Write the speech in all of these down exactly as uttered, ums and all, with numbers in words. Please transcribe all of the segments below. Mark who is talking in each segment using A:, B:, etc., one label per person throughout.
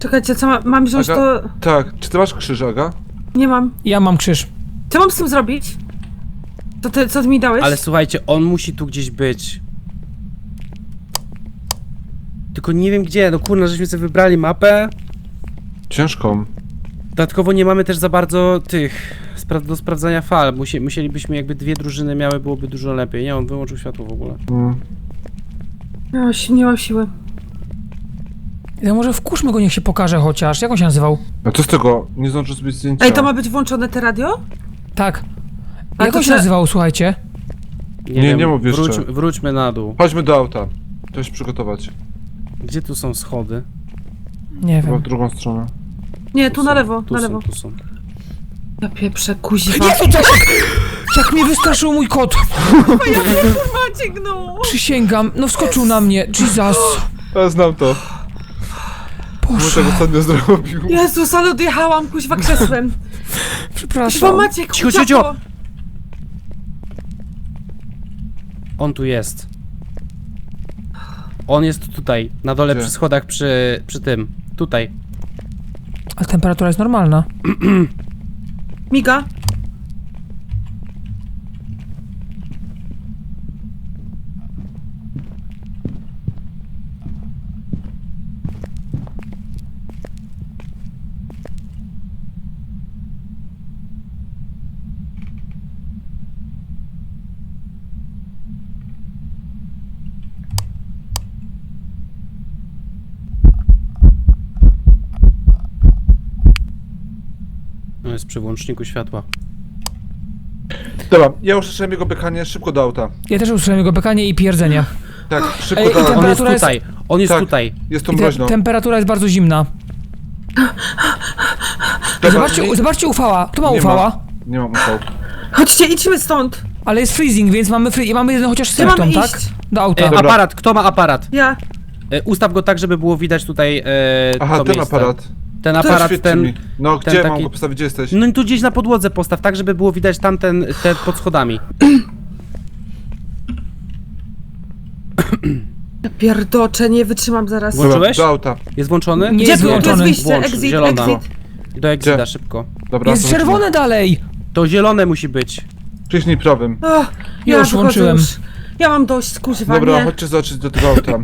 A: Czekajcie, co ma, mam wziąć
B: Aga,
A: to...
B: Tak, czy ty masz krzyż, Aga?
A: Nie mam.
C: Ja mam krzyż.
A: Co mam z tym zrobić? Co ty, co ty mi dałeś?
D: Ale słuchajcie, on musi tu gdzieś być. Tylko nie wiem gdzie, no kurna, żeśmy sobie wybrali mapę.
B: Ciężką.
D: Dodatkowo nie mamy też za bardzo tych spra do sprawdzania fal. Musi musielibyśmy jakby dwie drużyny miały, byłoby dużo lepiej. Nie, on wyłączył światło w ogóle.
B: Mm.
A: No, nie mam siły.
C: Ja może wkurzmy go, niech się pokaże chociaż. Jak on się nazywał?
B: A co z tego? Nie zdążę zrobić zdjęcia.
A: Ej, to ma być włączone te radio?
C: Tak.
A: A
C: Jak
A: to
C: on się
A: czy-
C: nazywał, słuchajcie?
B: Nie, nie mów jeszcze.
D: wróć, wróćmy na dół.
B: Chodźmy do auta. To się przygotować.
D: Gdzie tu są schody?
C: Nie
B: Chyba w
C: wiem.
B: drugą stronę.
A: Nie, tu na
D: są,
A: lewo,
D: tu
A: na
D: są,
A: lewo.
D: Tu są.
A: Ja pieprzę, kuźwa.
C: Jezu, jak, jak mnie wystraszył mój kot!
A: Maciek, no!
C: Przysięgam, no wskoczył na mnie. Jesus.
B: Ja znam to. Mój
C: Boże,
B: tego ostatnio zrobił.
A: Jezus, ale odjechałam, kuźwa, krzesłem. Kuźwa,
C: przepraszam.
A: Maciek,
D: Cicho,
A: uciekło.
D: cicho, On tu jest. On jest tutaj, na dole
B: Gdzie?
D: przy schodach, przy, przy tym. Tutaj.
C: Ale temperatura jest normalna.
A: Miga?
D: No jest przy włączniku światła.
B: Dobra, ja usłyszałem jego bekanie, szybko do auta.
C: Ja też usłyszałem jego bekanie i pierdzenie.
B: Tak, szybko
C: Ej,
B: do
C: i
B: auta.
D: On jest
C: Temperatura jest-
D: tutaj, on jest
B: Tak.
D: tutaj.
B: Jest tu
C: I te,
B: mroźno.
C: temperatura jest bardzo zimna.
B: Dobra,
C: Zobaczcie,
B: nie-
C: zobaczcie ufała. Kto ma
B: nie
C: ufała?
B: Nie mam ufał.
A: Chodźcie, idźmy stąd.
C: Ale jest freezing, więc mamy, free, mamy jeden chociaż
A: Gdzie mamy
C: symptom,
A: iść?
C: tak? Do auta.
D: E,
B: Dobra.
D: aparat, kto ma aparat?
A: Ja.
D: E, ustaw go tak, żeby było widać tutaj e,
B: Aha,
D: to
B: ten
D: miejsce.
B: aparat.
D: Ten
B: To
D: aparat,
B: świeci
D: ten...
B: mi. No,
D: ten
B: gdzie
D: taki-
B: mam go postawić? Gdzie jesteś?
D: No i tu gdzieś na podłodze postaw, tak żeby było widać tamten, te pod schodami.
A: Ja pierdoczę, nie wytrzymam zaraz.
D: Włącz- Włączyłeś?
B: Do auta.
D: Jest włączony?
C: Nie
A: Gdzie
C: jest
A: tu, tu jest
C: wyłączony.
A: wyjście?
D: Włącz,
A: Exit,
D: zielona.
A: exit.
D: Do exita,
B: Gdzie?
D: szybko.
B: Dobra,
C: Jest
B: to
C: czerwone dalej!
D: To zielone musi być.
B: Przyśnij prawym.
A: O, ja
C: Już
A: wychodzę
C: włączyłem.
A: Już. Ja mam dość, kuźwa,
B: Dobra,
A: nie.
B: chodźcie zobaczyć do tego auta.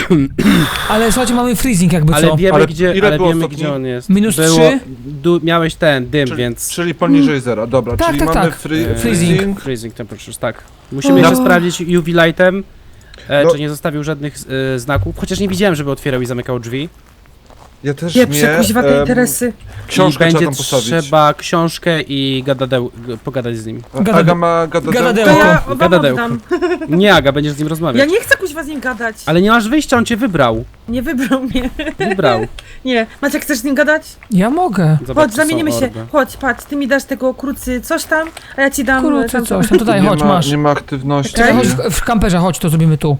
C: Ale słuchajcie, mamy freezing jakby
D: Ale
C: co.
D: wiemy
B: Ale
D: gdzie,
B: ile
D: ale
B: było
D: wiemy
B: stopni?
D: gdzie on jest.
C: Minus
D: Było,
C: trzy?
D: Du, miałeś ten dym,
B: Czyli,
D: więc...
B: czyli poniżej zera, dobra,
C: Tak,
B: czyli
C: tak,
B: mamy
C: tak.
B: free,
D: E,
C: freezing.
B: freezing.
D: Freezing temperatures, tak. Musimy
A: No.
D: jeszcze sprawdzić U V lightem, e,
B: No.
D: czy nie zostawił żadnych e, znaków. Chociaż nie widziałem, żeby otwierał i zamykał drzwi.
B: Ja też
A: Pieprze,
B: nie.
A: kuźwa, tej
B: em,
A: Teresy.
B: Książkę
D: I
B: trzeba
D: będzie
B: tam postawić.
D: trzeba książkę i gadadeł, g- pogadać z nim.
B: A-
C: Gada-
B: Aga ma gadadełko?
C: gadadełko.
A: To ja wam
D: Gadadełko.
A: oddam.
D: Nie, Aga, będziesz z nim
A: Ja
D: rozmawiać.
A: nie chcę kuźwa z nim gadać.
D: Ale nie masz wyjścia, on cię wybrał.
A: Nie wybrał mnie.
D: Wybrał.
A: Nie. Maciek, chcesz z nim gadać?
C: Ja mogę.
D: Zobacz,
A: Chodź,
D: tu są
A: zamienimy się.
D: orby.
A: Chodź, patrz, ty mi dasz tego krucy coś tam, a ja ci dam...
C: Kurczę,
A: tam-
C: coś. No to daj,
B: Nie
C: chodź,
B: ma,
C: masz.
B: nie ma aktywności.
A: Okej.
C: Czekaj, chodź w, w kamperze, chodź, to zrobimy tu.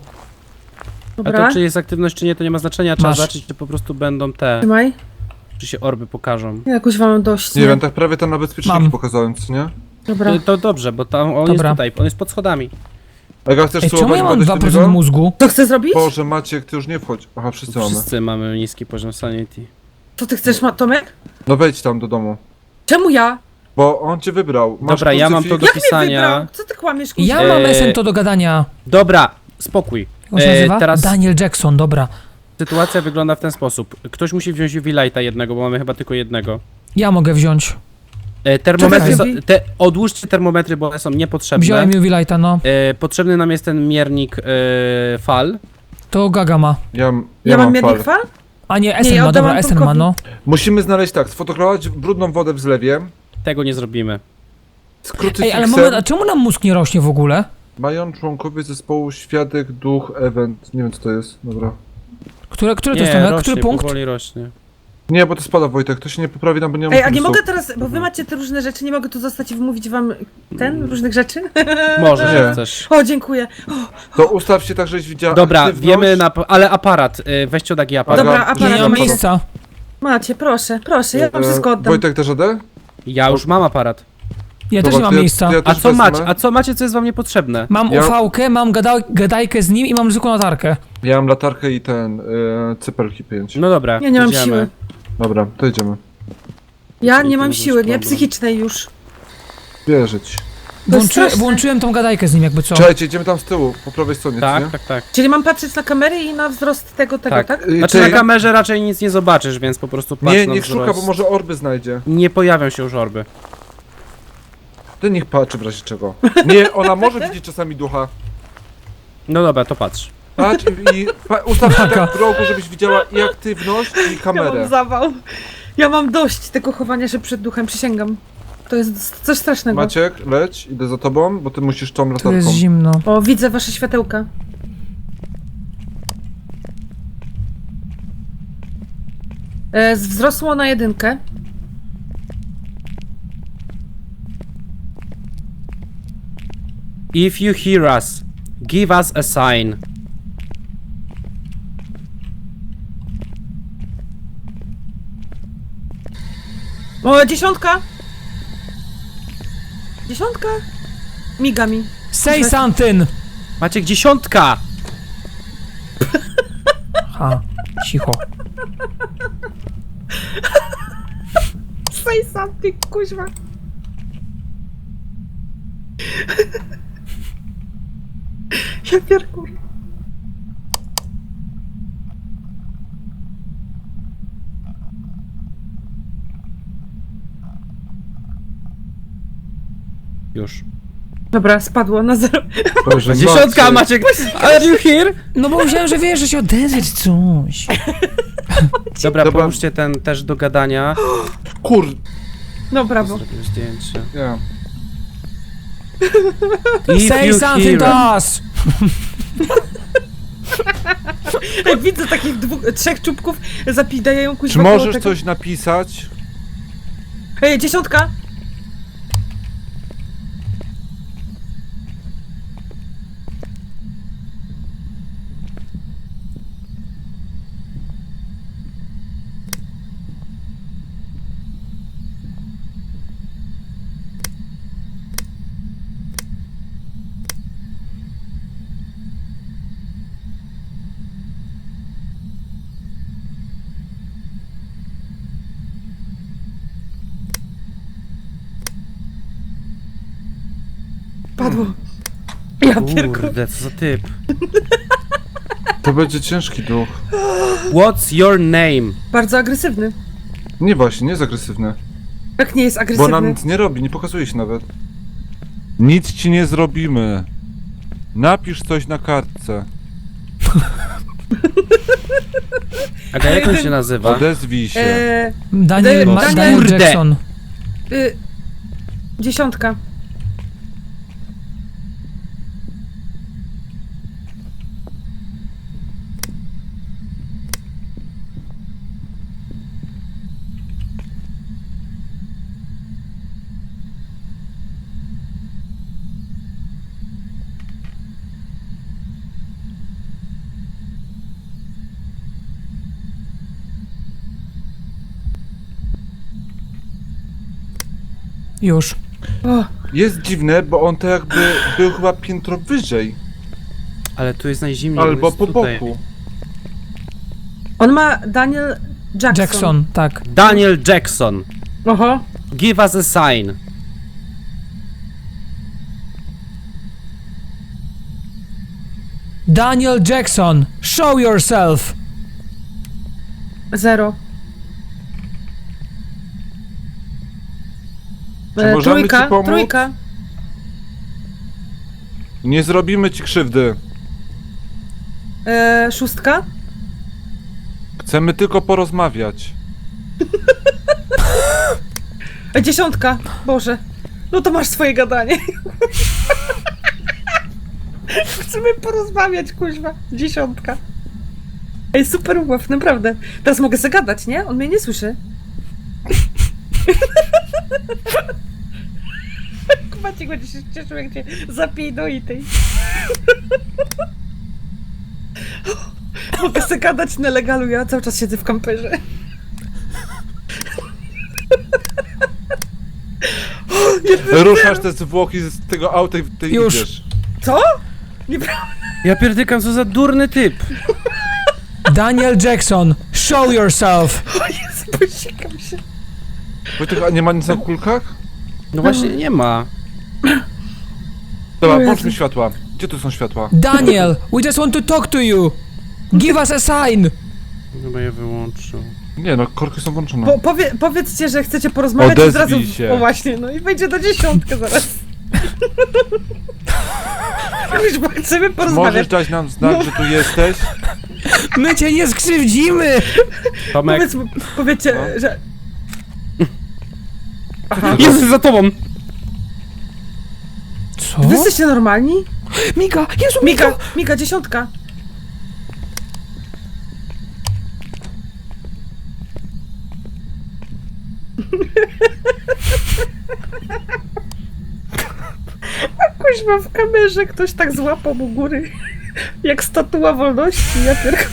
D: A
A: Dobra,
D: to czy jest aktywność, czy nie, to nie ma znaczenia. Trzeba
C: Masz.
D: zobaczyć, czy po prostu będą te,
A: trzymaj.
D: czy się orby pokażą.
A: Ja kuźwa mam dość,
B: Nie
A: nie?
B: wiem, tak prawie tam na bezpieczniki
C: Mam.
B: pokazałem, co nie?
A: Dobra.
D: To, to dobrze, bo tam on
C: Dobra.
D: jest tutaj, on jest pod schodami.
B: Aga, chcesz
C: Ej, czemu
B: spróbować
C: ja mam
B: badać
C: dwa
B: do
C: procent
B: niego?
C: mózgu?
A: Co chcesz zrobić?
B: Boże, Maciek, ty już nie wchodź. Aha, wszyscy mamy.
D: Wszyscy mamy niski poziom sanity.
A: Co ty chcesz, ma- Tomek?
B: No wejdź tam do domu.
A: Czemu ja?
B: Bo on cię wybrał. Masz
D: Dobra, ja mam to
B: krucyfik?
D: do
A: Jak mnie
D: pisania.
A: wybrał? Co ty kłamiesz, kuźwa?
C: Ja mam
D: Eee,
C: S M to do gadania.
D: Dobra, spokój.
C: Jak on się
D: E,
C: nazywa?
D: teraz
C: Daniel Jackson, dobra.
D: sytuacja wygląda w ten sposób. Ktoś musi wziąć U V lighta jednego, bo mamy chyba tylko jednego.
C: Ja mogę wziąć.
D: E, termometry
A: Czekaj.
D: są, te, odłóżcie termometry, bo one są niepotrzebne.
C: Wziąłem U V Lighta, no.
D: E, potrzebny nam jest ten miernik e, fal.
C: To Gaga ma.
B: Ja, ja,
A: Ja mam
B: mam
A: miernik
B: fal.
A: fal?
C: A nie,
A: Nie,
C: S M
A: ja
C: ma, dobra,
A: oddałam
C: S M ma,
A: Tomkowi.
C: no.
B: Musimy znaleźć tak, sfotografować brudną wodę w zlewie
D: Tego nie zrobimy.
B: z
C: Ej,
B: krucyfiksem.
C: ale moment, a czemu nam mózg nie rośnie w ogóle?
B: Mają członkowie zespołu Świadek, Duch, Event. Nie wiem co to jest, dobra.
C: Które, które to
D: Nie,
C: jest Tomek?
D: rośnie,
C: Który punkt?
D: powoli rośnie.
B: Nie, bo to spada Wojtek, to się nie poprawi nam, bo nie mam
A: Ej, a nie
B: pomysłu.
A: mogę teraz, bo wy macie te różne rzeczy, nie mogę tu zostać i wymówić wam ten, różnych rzeczy?
D: Może,
B: Nie.
D: że chcesz.
A: O, dziękuję.
B: To ustaw się tak, żeś widziała
D: Dobra,
B: aktywność.
D: wiemy na... ale aparat, y, weźcie od Agi aparat.
A: Dobra,
B: Aga,
A: aparat
C: Ja nie mam
A: masz?
C: miejsca.
A: Macie, proszę, proszę, ja wam
B: E,
A: wszystko oddam.
B: Wojtek też radę?
D: Ja już mam aparat.
C: Ja też
B: Dobra,
C: nie mam
B: to ja-
C: miejsca.
B: to ja
D: A
B: też
D: co
B: wezmę.
D: macie? A co macie, co jest wam niepotrzebne?
C: Mam
B: Ja-
C: U V-kę, mam gada gadajkę z nim i mam zwykłą latarkę.
B: Ja mam latarkę i ten, y, cypelki pięć.
D: No dobra,
A: Ja nie mam
D: idziemy.
A: siły.
B: Dobra, to idziemy.
A: Ja
D: Czyli
A: nie
D: to
A: mam
D: jest
A: siły, nie?
D: problem.
A: Psychicznej już.
B: Wierzyć.
A: To jest
C: Włączy,
A: straszne.
C: włączyłem tą gadajkę z nim jakby co.
B: Czekajcie, idziemy tam z tyłu, po prawej stronie,
D: Tak,
B: nie?
D: tak, tak.
A: Czyli mam patrzeć na kamery i na wzrost tego, tego, tak?
D: Tak.
B: Y,
D: Znaczy
B: ty-
D: na kamerze raczej nic nie zobaczysz, więc po prostu patrz
B: Nie,
D: na
B: niech
D: wzrost.
B: szuka, bo może orby znajdzie.
D: Nie pojawią się już orby.
B: Ty niech patrzy w razie czego. Nie, ona może widzieć czasami ducha.
D: No dobra, to patrz.
B: Patrz i, i pa, ustaw się tak w rogu, żebyś widziała i aktywność, i
A: Ja mam
B: kamerę.
A: zawał. Ja mam dość tego chowania się przed duchem, przysięgam. To jest coś strasznego.
B: Maciek, leć, idę za tobą, bo ty musisz tą
C: Tu jest
B: latarką.
C: zimno.
A: O, widzę wasze światełka. E, wzrosło na jedynkę.
D: If you hear us, give us a sign.
A: O, dziesiątka! Dziesiątka? Miga mi.
C: Say something!
D: Maciek, dziesiątka!
C: Ha, cicho.
A: Say something, kuźwa. Ja pierkur.
D: Już.
A: Dobra, spadło na zero.
B: Boże,
D: Dziesiątka, Maciek! Are you here?
C: No bo myślałem, że wiesz, że się odezwać coś.
D: Dobra,
B: Dobra.
D: połóżcie ten też do gadania.
B: Kur...
A: No brawo.
D: Zrobię zdjęcie.
B: Nie.
D: If
C: Say
D: you
C: something
D: hear
C: to
D: us.
C: us!
A: Ej, widzę takich dwóch, trzech czubków zapidają kuźwa
B: Czy
A: koło
B: możesz
A: tego.
B: coś napisać?
A: Ej, dziesiątka! Padło. Ja pierkur.
D: Kurde, co za typ.
B: To będzie ciężki duch.
D: What's your name?
A: Bardzo agresywny.
B: Nie właśnie, nie jest agresywny.
A: Jak nie jest
B: Bo
A: agresywny?
B: nam nic nie robi, nie pokazuje się nawet. Nic ci nie zrobimy. Napisz coś na kartce.
D: Aga, jak on się nazywa?
B: Odezwij się.
A: Eee,
C: Daniel, Ma-
A: Daniel-
C: Daniel
D: Kurde.
C: Jackson.
A: y, dziesiątka.
C: Już.
A: O,
B: Jest dziwne, bo on to jakby był chyba piętro wyżej.
D: Ale tu jest najzimniej. on
B: Albo
D: jest
B: po
D: tutaj.
B: boku.
A: on ma Daniel Jackson.
C: Jackson, tak.
D: Daniel Jackson.
A: Oho.
D: Give us a sign.
C: Daniel Jackson, show yourself!
A: Zero.
B: Czy
A: E,
B: możemy
A: trójka,
B: ci pomóc?
A: trójka.
B: Nie zrobimy ci krzywdy.
A: E, szóstka.
B: Chcemy tylko porozmawiać.
A: E, dziesiątka. Boże. No to masz swoje gadanie. Chcemy porozmawiać, kuźwa. Dziesiątka. Ej, super ubaw, naprawdę. Teraz mogę zagadać, nie? On mnie nie słyszy. Maciek będzie się cieszył, jak cię zapij do i tej. Mogę sobie gadać na legalu, ja cały czas siedzę w kamperze.
B: Ruszasz te zwłoki z tego auta i ty
C: Już.
B: idziesz.
A: Co? Nieprawda.
D: Ja pierdykam, co za durny typ.
C: Daniel Jackson, show yourself!
A: O Jezu. Posikam się.
B: Wojtek, a nie ma nic na kulkach?
D: No właśnie nie ma.
B: Dobra,
A: O Jezu.
B: włącz mi światła. Gdzie tu są światła?
C: Daniel, we just want to talk to you. Give us a sign.
D: Chyba je wyłączył.
B: Nie no, korki są włączone.
A: Po, powie, powiedzcie, że chcecie porozmawiać
B: Odezwij
A: od razu.
B: się.
A: O właśnie, no i wejdzie do dziesiątkę zaraz. Już bo chcemy
B: Możesz
A: porozmawiać.
B: dać nam znak, że tu jesteś?
C: My cię nie skrzywdzimy.
D: Tomek,
A: Powiedz, powiedzcie,
B: No.
A: że... Aha.
D: jest za tobą!
C: Co?
A: Wy jesteście normalni?
C: Mika, Jezu, Mika.
A: Mika, Mika, dziesiątka. A kuźma w kamerze ktoś tak złapał u góry. Jak statua wolności, ja pier...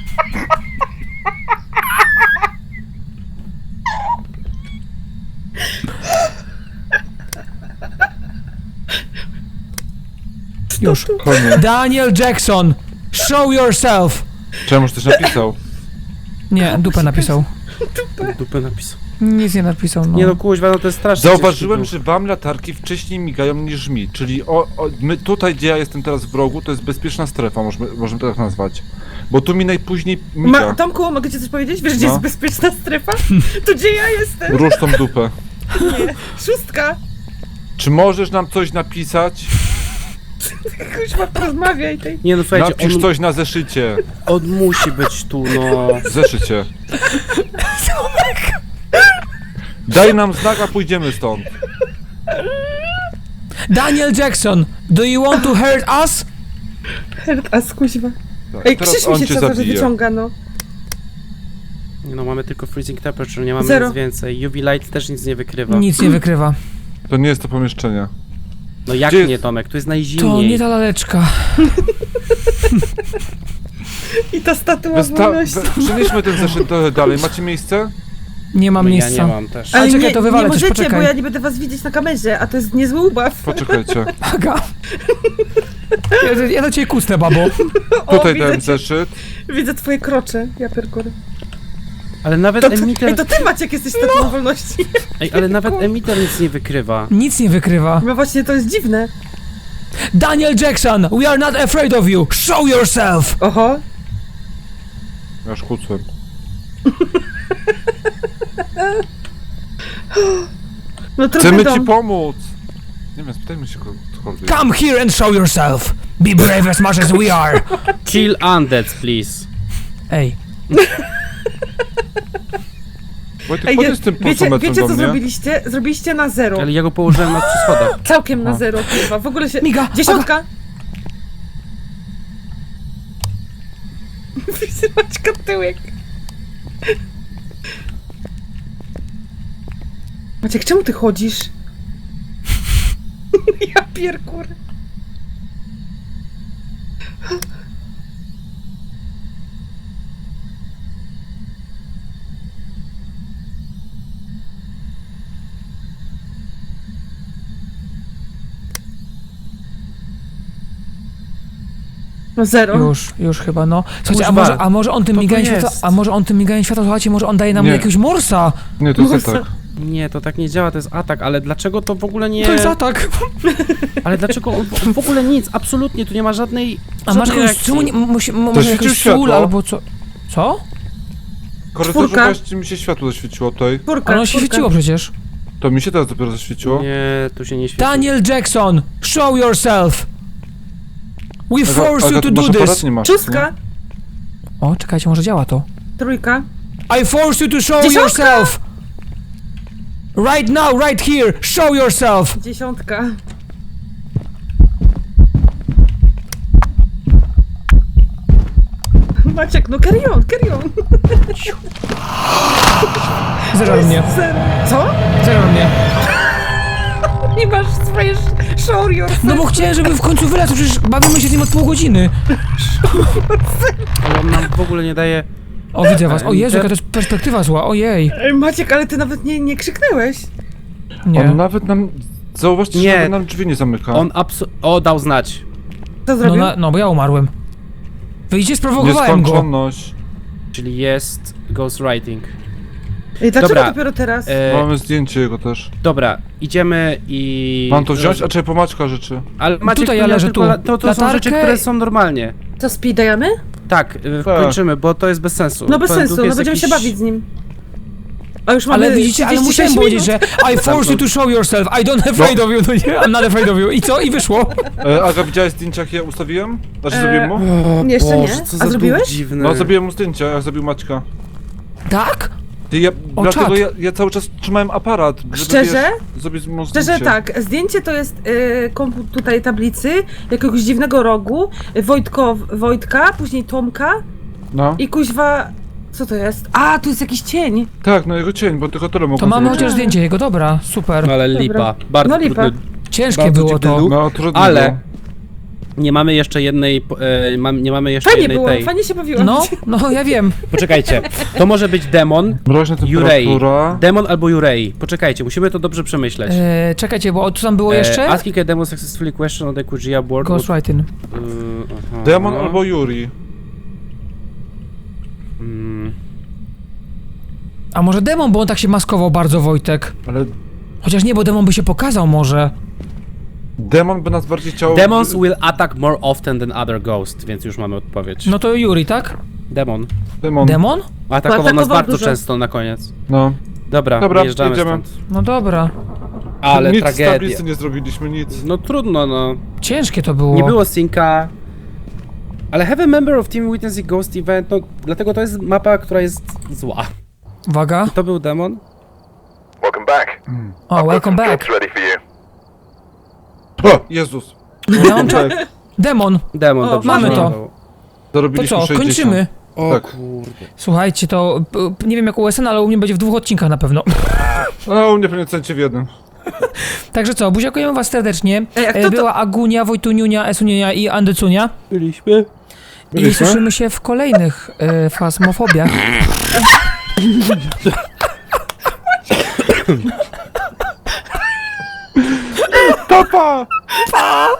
C: Już.
B: Koniec.
C: Daniel Jackson, show yourself.
B: Czemuż też napisał?
C: Nie, dupę napisał.
D: Dupę napisał.
C: Nic nie napisał, no.
D: Nie no kuźwa, no to jest strasznie.
B: Zauważyłem,
D: ciężki
B: że wam latarki wcześniej migają niż mi, czyli o, o, my tutaj, gdzie ja jestem teraz w rogu, to jest bezpieczna strefa, możemy, możemy to tak nazwać. Bo tu mi najpóźniej miga.
A: Ma, Tomku, mogę ci coś powiedzieć? Wiesz, gdzie
B: No.
A: jest bezpieczna strefa? To gdzie ja jestem?
B: Rusz tą dupę.
A: Nie. Szóstka.
B: Czy możesz nam coś napisać?
A: Kuźma, porozmawiaj tej.
D: Nie no słuchajcie,
B: Napisz
D: on,
B: coś na zeszycie.
D: on musi być tu, no.
B: Zeszycie. Daj nam znak, a pójdziemy stąd.
C: Daniel Jackson, do you want to hurt us?
A: Herd, a skuźwa.
B: Tak,
A: Ej,
B: teraz
A: krzyż mi
B: on
A: się
B: cię
A: cały czas
B: zabije.
A: wyciąga, no.
D: Nie no, mamy tylko freezing temperature, nie mamy
A: Zero.
D: nic więcej. U V light też nic nie wykrywa.
C: Nic nie wykrywa.
B: To nie jest to pomieszczenie.
D: No jak
B: Gdzie
D: nie,
B: jest-
D: Tomek? Tu jest
C: To
D: najzimniej.
C: nie ta laleczka.
A: I ta statua
B: Wysta-
A: wolności.
B: we- przenieśmy ten zeszyt trochę dalej. Macie miejsce?
C: Nie mam
D: No, ja
C: miejsca.
D: nie mam też.
C: Ale
A: Ale
C: czekaj,
A: nie,
C: to wywalę
A: nie
C: coś,
A: możecie,
C: poczekaj.
A: bo ja nie będę was widzieć na kamerze, a to jest niezły ubaw.
B: Poczekajcie.
C: Aga. Ja, ja do ciebie kustę, babo.
A: O,
B: Tutaj
A: widzę,
B: dałem
A: cię,
B: zeszyt.
A: widzę twoje krocze, ja pierkury.
D: Ale nawet
A: To, ty,
D: emitter...
A: ej, to ty Maciek jesteś statuą wolności.
D: Ej, ale nawet emitter nic nie wykrywa.
C: Nic nie wykrywa.
A: No właśnie, to jest dziwne.
C: Daniel Jackson, we are not afraid of you. Show yourself.
A: Oho.
B: Ja już kłócłem.
A: No trudny
B: Chcemy
A: dom.
B: ci pomóc! Nie wiem, spytajmy się kogokolwiek.
C: Come here and show yourself. Be brave as much as we are.
D: Kill undeads, please.
C: Ej,
B: Wojtek,
A: Ej,
B: podjedź z tym
A: wiecie,
B: pulsometrem
A: wiecie
B: do
A: co
B: mnie.
A: zrobiliście? Zrobiliście na zero.
D: Ale ja go położyłem na przy schodach.
A: Całkiem na
B: A.
A: zero, kurwa. W ogóle się...
C: Miga,
A: Dziesiątka! Widzę Maćka tyłek. Maciek, czemu ty chodzisz? Ja pierkur. No zero.
C: już, już chyba, no. Słuchajcie, a
D: Kuźwa,
C: może, a może on tym
D: to to
C: miganiem światła,
D: jest.
C: a może on tym miganiem światła, słuchajcie, może on daje nam
B: Nie.
C: jakiegoś morsa.
B: Nie, to jest
A: Musa.
B: atak.
D: Nie, to tak nie działa, to jest atak, ale dlaczego to w ogóle nie...
C: To jest atak.
D: Ale dlaczego on, on w ogóle nic, absolutnie, tu nie ma żadnej...
C: A masz
D: żadnej
C: jakąś,
D: reakcji.
C: czemu nie, musi, m- może
B: świecił
C: jakąś sól
B: światło?
C: albo co? Co?
B: W korytarzu
A: Czwórka.
B: właśnie mi się światło zaświeciło tutaj.
A: Czwórka,
C: Ale ono się
A: czwórka.
C: świeciło przecież.
B: To mi się teraz dopiero zaświeciło.
D: Nie, tu się nie świeci.
C: Daniel Jackson, show yourself. We
B: Aga-
C: force
B: Aga,
C: you to
B: tu
C: do
B: masz aparat?
C: this.
B: Nie masz,
A: Szóstka,
C: O, czekajcie, może działa to.
A: trójka.
C: I force you to show
A: Dziesiątka!
C: yourself. Right now, right here, show yourself.
A: Dziesiątka. Maciek, no carry on, carry on.
C: Zero mnie,
A: Zero. Co?
C: zero mnie.
A: Nie masz swoje sh- show yourself.
C: No bo chciałem, żeby w końcu wylazł, przecież bawimy się z nim od pół godziny.
D: Ale on nam w ogóle nie daje...
C: O, widzę was. O Jezu, jaka to jest perspektywa zła, ojej.
A: Ej, Maciek, ale ty nawet nie, nie krzyknęłeś.
C: Nie.
B: On nawet nam... Zauważcie,
D: Nie.
B: że nawet nam drzwi nie zamyka.
D: On abso... O, dał znać.
A: Co
C: No,
A: zrobił?
C: na, no, bo ja umarłem. Wyjdzie, sprowokowałem go.
B: Nieskończoność.
D: Czyli jest ghostwriting.
A: Ej, dlaczego
D: Dobra.
A: dopiero teraz?
D: E,
B: Mamy zdjęcie jego też.
D: dobra, idziemy i...
B: Mam to wziąć? A czy pomaczka rzeczy?
D: Ale Maciek,
C: Tutaj
D: tu
C: ja
D: miał
C: leżę,
D: tylko
C: tu.
D: la- To, to są
C: Latarkę
D: rzeczy, które są normalnie.
A: Co, speed dajemy?
D: Tak, y,
B: Tak.
D: kończymy, bo to jest bez sensu.
A: No bez
D: Ten duch
A: sensu, no
D: jest
A: będziemy
D: jakiś-
A: się bawić z nim. A już mamy
C: Ale widzicie, ale
A: trzydzieści
C: musiałem
A: sześć
C: powiedzieć, że
A: minut.
C: I force you to show yourself, I don't afraid of you, no nie? I'm not afraid of you. I co? I wyszło.
B: E, Aga, widziałaś zdjęcia, jakie ja ustawiłem? Znaczy
A: E,
B: zrobiłem mu?
D: O
A: Nie, jeszcze
D: Boże,
A: nie.
D: co
A: A
D: za duch
A: zrobiłeś?
D: dziwny.
B: No, zrobiłem mu zdjęcia, jak zrobił Maćka.
C: Tak?
B: Ty, ja,
C: O,
B: dlatego
C: czad.
B: ja, ja cały czas trzymałem aparat, żeby
A: Szczerze?
B: wiesz, zrobić mu zdjęcie.
A: Szczerze tak, zdjęcie to jest y, komput tutaj tablicy, jakiegoś dziwnego rogu, Wojtko, Wojtka, później Tomka
B: No.
A: i kuźwa... Co to jest? A, tu jest jakiś cień.
B: Tak, no jego cień, bo tylko tyle mogą
C: To mamy
B: zrobić.
C: chociaż zdjęcie jego, dobra, super.
D: No ale
A: Dobra.
D: lipa, bardzo
A: No lipa.
D: trudny.
C: Ciężkie
D: bardzo
C: było
D: dziwny
C: to.
D: duch.
B: No, trudno
D: Ale-
B: było.
D: Nie mamy jeszcze jednej, e, mam, nie mamy jeszcze
A: Fajnie
D: jednej
A: było,
D: tej.
A: fajnie się bawiłam.
C: No, no ja wiem.
D: Poczekajcie, to może być demon,
B: Mroźna
D: Jurei.
B: temperatura.
D: Demon albo Jurei. Poczekajcie, musimy to dobrze przemyśleć.
C: E, czekajcie, bo tu tam było
D: E,
C: jeszcze?
D: asking a demon successfully question on the Kujia board.
C: Ghostwriting.
D: would- y, aha.
B: Demon albo Yuri.
D: Mm,
C: A może demon, bo on tak się maskował bardzo, Wojtek.
B: Ale
C: Chociaż nie, bo demon by się pokazał może.
B: demon by nas bardziej chciał...
D: Demons will attack more often than other ghosts, więc już mamy odpowiedź.
C: No to Yuri, tak?
D: Demon.
B: Demon.
C: Demon?
D: Atakował nas
A: Atakował
D: bardzo
A: dużo.
D: często na koniec.
B: No.
D: Dobra,
B: Dobra,
D: wyjeżdżamy
B: jedziemy.
D: stąd.
C: No dobra.
D: Ale
B: nic z
D: tragedia.
B: tablicy nie zrobiliśmy, nic.
D: No trudno, no.
C: Ciężkie to było.
D: Nie było synka. Ale have a member of team witness a ghost event, no dlatego to jest mapa, która jest zła.
C: Uwaga.
D: To był demon?
E: Welcome back.
C: O, welcome back.
E: Jobs ready for you.
B: O, Jezus.
C: Ja mam cza-
B: Tak,
C: Demon.
D: Demon,
A: O,
D: dobrze.
C: mamy to.
D: wyglądał.
C: To
B: zarobiliśmy
C: co,
B: sześćdziesiąt.
C: kończymy.
D: O
B: Tak.
D: kurde.
C: Słuchajcie, to p- p- nie wiem jak u S N, ale u mnie będzie w dwóch odcinkach na pewno.
B: No, u mnie pewnie cencie w jednym.
C: Także co, buziakujemy was serdecznie.
A: Ej, a kto
C: E,
A: to-
C: Była Agunia, Wojtuniunia, Esuniunia i Andycunia.
D: Byliśmy.
C: I
B: Byliśmy?
C: słyszymy się w kolejnych e, fasmofobiach.
B: Papa!